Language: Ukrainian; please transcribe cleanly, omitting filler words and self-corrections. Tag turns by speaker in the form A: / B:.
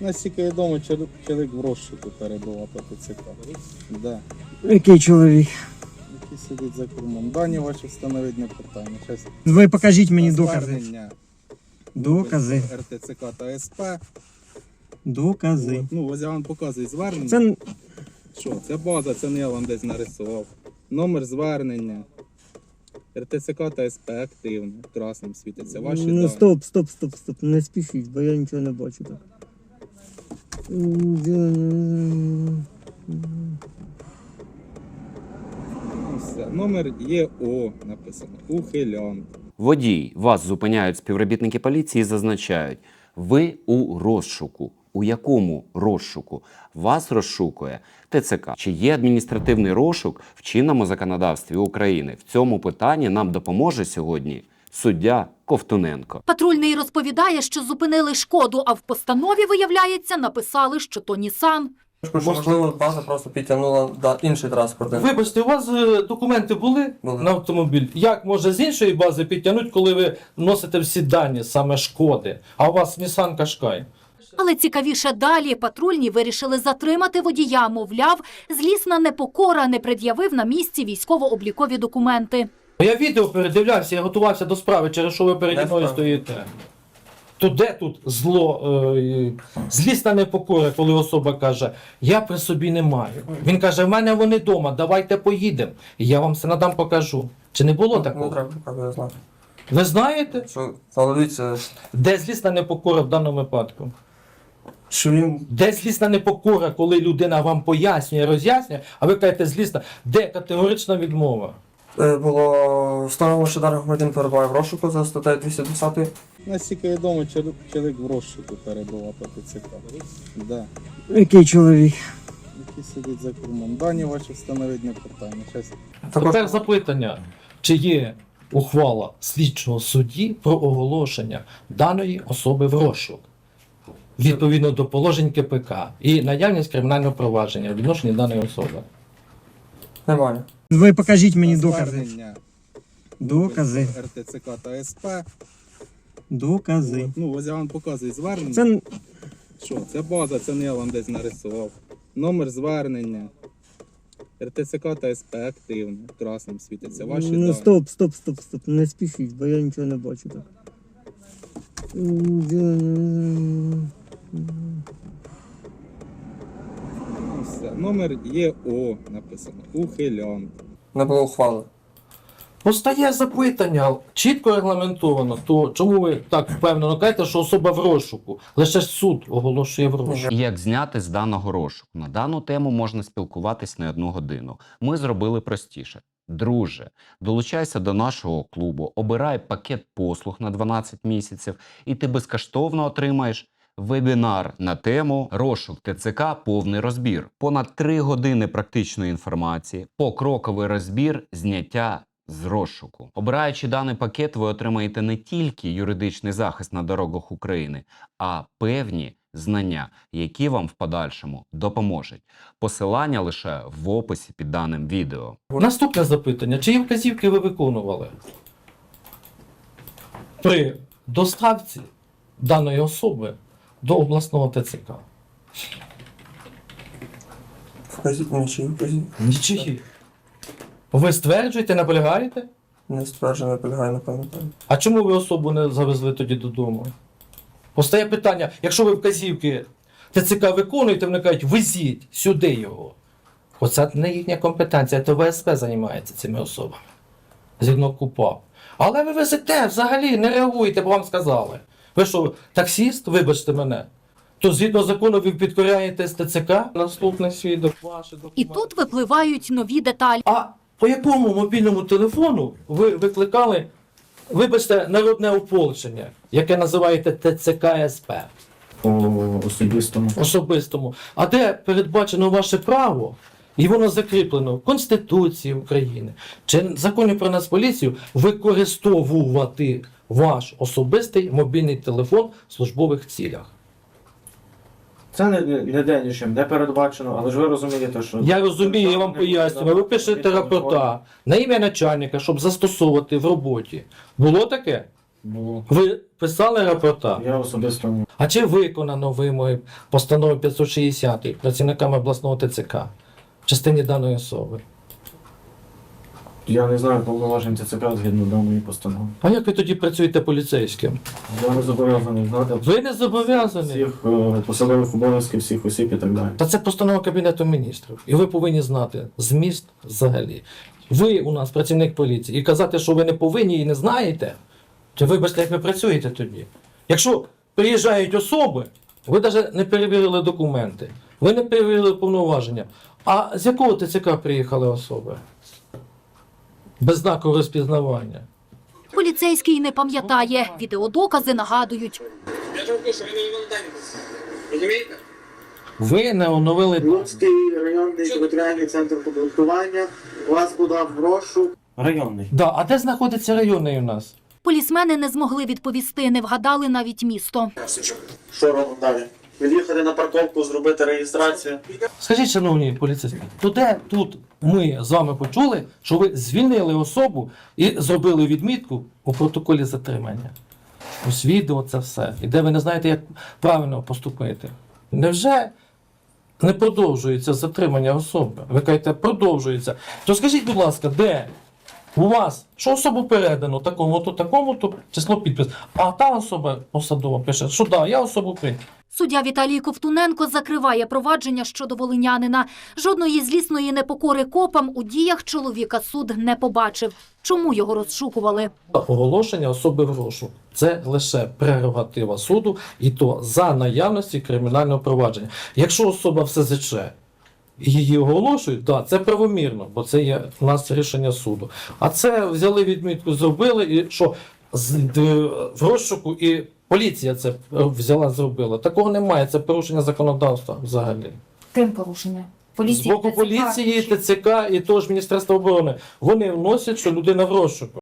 A: Наскільки відомо, чоловік в розшуку перебував по ТЦК. Да.
B: Який чоловік?
A: Який сидить за кермом. Дані ваші встановить не питання. Щас
B: Ви покажіть мені докази.
A: звернення
B: Докази.
A: РТЦК та СП.
B: Докази.
A: Ну, ось я вам показую звернення.
B: Це
A: Що? Це база, це не я вам десь нарисував. Номер звернення. РТЦК та СП активно. Красним світиться. Ваші
B: ну
A: дані.
B: стоп. Не спішіть, бо я нічого не бачу так.
A: Все. Номер ЄО написано. Ухилян.
C: Водій, вас зупиняють співробітники поліції і зазначають, ви у розшуку. У якому розшуку? Вас розшукує ТЦК. Чи є адміністративний розшук в чинному законодавстві України? В цьому питанні нам допоможе сьогодні суддя Ковтуненко.
D: Патрульний розповідає, що зупинили Шкоду, а в постанові, виявляється, написали, що то Нісан.
E: Можливо, база просто підтягнула інший транспорт.
F: Вибачте, у вас документи були на автомобіль? Як може з іншої бази підтягнути, коли ви носите всі дані, саме Шкоди, а у вас Nissan Qashqai?
D: Але цікавіше далі. Патрульні вирішили затримати водія. Мовляв, злісна непокора не пред'явив на місці військово-облікові документи.
F: Я відео передивлявся, я готувався до справи, через що ви переді мною стоїте. То де тут зло, злісна непокора, коли особа каже, я при собі не маю. Він каже, в мене вони вдома, давайте поїдемо. І я вам все надам покажу. Чи не було такого?
E: Не треба, я знаю.
F: Ви знаєте,
E: Що, але дивіться,
F: де злісна непокора в даному випадку?
E: що він...
F: Де злісна непокора, коли людина вам пояснює, роз'яснює, а ви кажете злісна, де категорична відмова?
E: Було встановлено, що даний громадянин перебуває в розшуку за статтею 210.
A: Наскільки відомо, чоловік в розшуку перебував по ТЦК. Да.
B: який чоловік?
A: Який сидить за кермом. Дані ваші встановить не питання. Щас
F: Тепер запитання, чи є ухвала слідчого судді про оголошення даної особи в розшук відповідно до положень КПК і наявність кримінального провадження в відношенні даної особи?
E: Немає.
B: Ви покажіть мені докази.
A: звернення
B: Докази.
A: РТЦК та СП.
B: Докази.
A: Ну, ось я вам показую звернення.
B: Це
A: Що? Це база, це не я вам десь нарисував. Номер звернення. РТЦК та СП активно. Красним світиться. Ваші дані.
B: стоп. Не спішіть, бо я нічого не бачу так.
A: Все. Номер ЄО написано. Ухилян.
E: Не було ухвали.
F: Постає запитання, чітко регламентовано, то чому ви так впевнено кажете, що особа в розшуку? Лише ж суд оголошує в розшуку.
C: І як зняти з даного розшуку? На дану тему можна спілкуватись не 1 годину. Ми зробили простіше. Друже, долучайся до нашого клубу, обирай пакет послуг на 12 місяців, і ти безкоштовно отримаєш вебінар на тему «Розшук ТЦК. Повний розбір». Понад 3 години практичної інформації, покроковий розбір зняття з розшуку. Обираючи даний пакет, ви отримаєте не тільки юридичний захист на дорогах України, а певні знання, які вам в подальшому допоможуть. Посилання лише в описі під даним відео.
F: Наступне запитання. Чиї вказівки ви виконували при доставці даної особи до обласного ТЦК?
E: Вказіть мені, чи вказіть.
F: Нічиї. Ви стверджуєте, наполягаєте?
E: Не стверджено, не полягає, не пам'ятаю.
F: А чому ви особу не завезли тоді додому? Постає питання, якщо ви вказівки ТЦК виконуєте, вони кажуть, везіть сюди його. Оце не їхня компетенція, то ВСП займається цими особами. Згідно КУПАП. Але ви везете, взагалі не реагуєте, бо вам сказали. Ви що, таксіст, вибачте мене, то згідно закону ви підкоряєтесь ТЦК? Наступний свідок, ваші документи.
D: І тут випливають нові деталі.
F: А по якому мобільному телефону ви викликали, вибачте, народне ополчення, яке називаєте ТЦК СП? Особистому. А де передбачено ваше право, і воно закріплено в Конституції України, чи в Законі про Нацполіцію, використовувати ваш особистий мобільний телефон в службових цілях?
G: Це не нічим, не передбачено, але ж ви розумієте, що...
F: Я розумію, я вам пояснюю. Ви пишете рапорта на ім'я начальника, щоб застосовувати в роботі. Було таке?
G: Було.
F: Ви писали рапорта?
G: Я особисто
F: А чи виконано вимоги постанови 560 працівниками обласного ТЦК в частині даної особи?
G: я не знаю повноважень ТЦК згідно даної постанови.
F: А як ви тоді працюєте поліцейським?
G: Я не зобов'язаний знати
F: Ви не зобов'язані.
G: всіх посадових обов'язків, всіх осіб і так далі.
F: Та це постанова Кабінету міністрів. І ви повинні знати зміст взагалі. Ви у нас працівник поліції. І казати, що ви не повинні і не знаєте, то вибачте, як ви працюєте тоді. Якщо приїжджають особи, ви навіть не перевірили документи, ви не перевірили повноваження. А з якого ТЦК приїхали особи? Без знаку розпізнавання.
D: Поліцейський не пам'ятає. Відеодокази нагадують.
H: Я толку, що ви не волонтері. Розумієте?
F: Ви не оновили.
I: Луцький районний територіальний центр комплектування вас подав в розшук.
G: Районний.
F: Да, а де знаходиться районний у нас?
D: Полісмени не змогли відповісти, не вгадали навіть місто.
I: Що робимо далі? Від'їхати на парковку, зробити реєстрацію.
F: Скажіть, шановні поліцейські, то де тут ми з вами почули, що ви звільнили особу і зробили відмітку у протоколі затримання? Ось відео це все. І де ви не знаєте, як правильно поступити. Невже не продовжується затримання особи? Ви кажете, продовжується. То скажіть, будь ласка, де у вас, що особу передано такому-то число підпис, а та особа посадова пише, що да, я особу прийняв.
D: Суддя Віталій Ковтуненко закриває провадження щодо волинянина. Жодної злісної непокори копам у діях чоловіка суд не побачив. Чому його розшукували?
F: Оголошення особи в розшук – це лише прерогатива суду, і то за наявності кримінального провадження. Якщо особа в СЗЧ і її оголошують, да, це правомірно, бо це є у нас рішення суду. А це взяли відмітку, зробили, і що в розшуку і поліція це взяла, зробила. Такого немає, це порушення законодавства взагалі.
J: Ким порушення?
F: З боку поліції, ТЦК і того ж Міністерства оборони. Вони вносять, що людина в розшуку.